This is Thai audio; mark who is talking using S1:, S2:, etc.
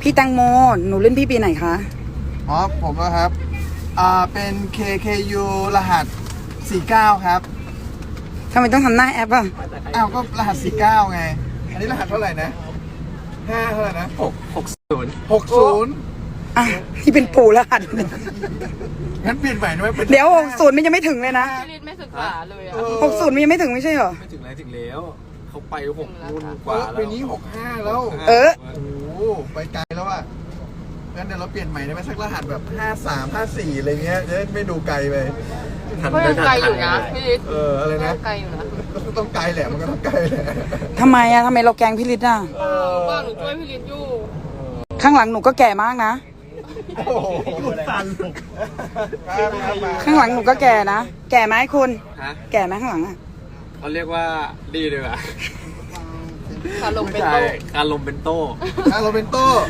S1: พี่แตงโมหนูเล่นพี่ปีไหนคะ
S2: อ๋อผมนะครับเป็น KKU รหัส 49 ครับ
S1: ทำไมต้องทำหน้าแอปอ่ะ
S2: อ้าวก็รหัส 49 ไง อันนี้รหัสเท่าไหร่นะ5เท่าไหร่นะ
S3: 60
S2: 60
S1: อ่ะที่เป็นปู่รหัส
S2: งั้นเปลี่ยนใหม่ได้ไหมเป็น
S1: เดี๋ยว60มันยังไม่ถึงเลยนะ
S4: พี่ลิศไม่ศึกษาเลยอ่ะ
S1: 60มันยังไม่ถึงไม่ใช่เหรอ
S3: ไม่ถึงไรถึงแล้วเขาไป6 รุ่นก
S2: เอ
S3: ว่า
S2: อ
S3: แล้ว
S2: ปีนี้ 65 แล้ว
S1: เออ
S2: โอ้โหไปไกลแล้วอ่ะงั้นเดี๋ยวเราเปลี่ยนใหม่ได้ไหมสักรหัสแบบ 53 54 อะไรเงี้ยจะได้ไม่ดูไกลไป
S4: ก็ยังไกลอยู่นะพี่ลิศ
S2: อะไร
S4: ก็
S2: นะ
S4: ยังไกลอยู่นะ
S2: ก็ต้องไกลแหละมันก็ต้องไกลแหละ
S1: ทำไมอะทำไมเราแกล้งพี่ฤทธิ์อะ
S4: บ้านหนูช่วยพี่ลิศอยู่
S1: ข้างหลังหนูก็แก่มากนะ
S2: โอ้โหสั่นครับมา
S1: ข้างหลังหนูก็แก่นะ แก่ไหมคุณ
S3: ฮะ
S1: แก่ไหมข้างหลังอะ
S3: เขาเรียกว่าดีเลยอ่ะ
S4: คาลมเป็น
S3: ใช่
S4: โต๊ะ
S3: การลมเป็นโต้
S2: โรเบนโต้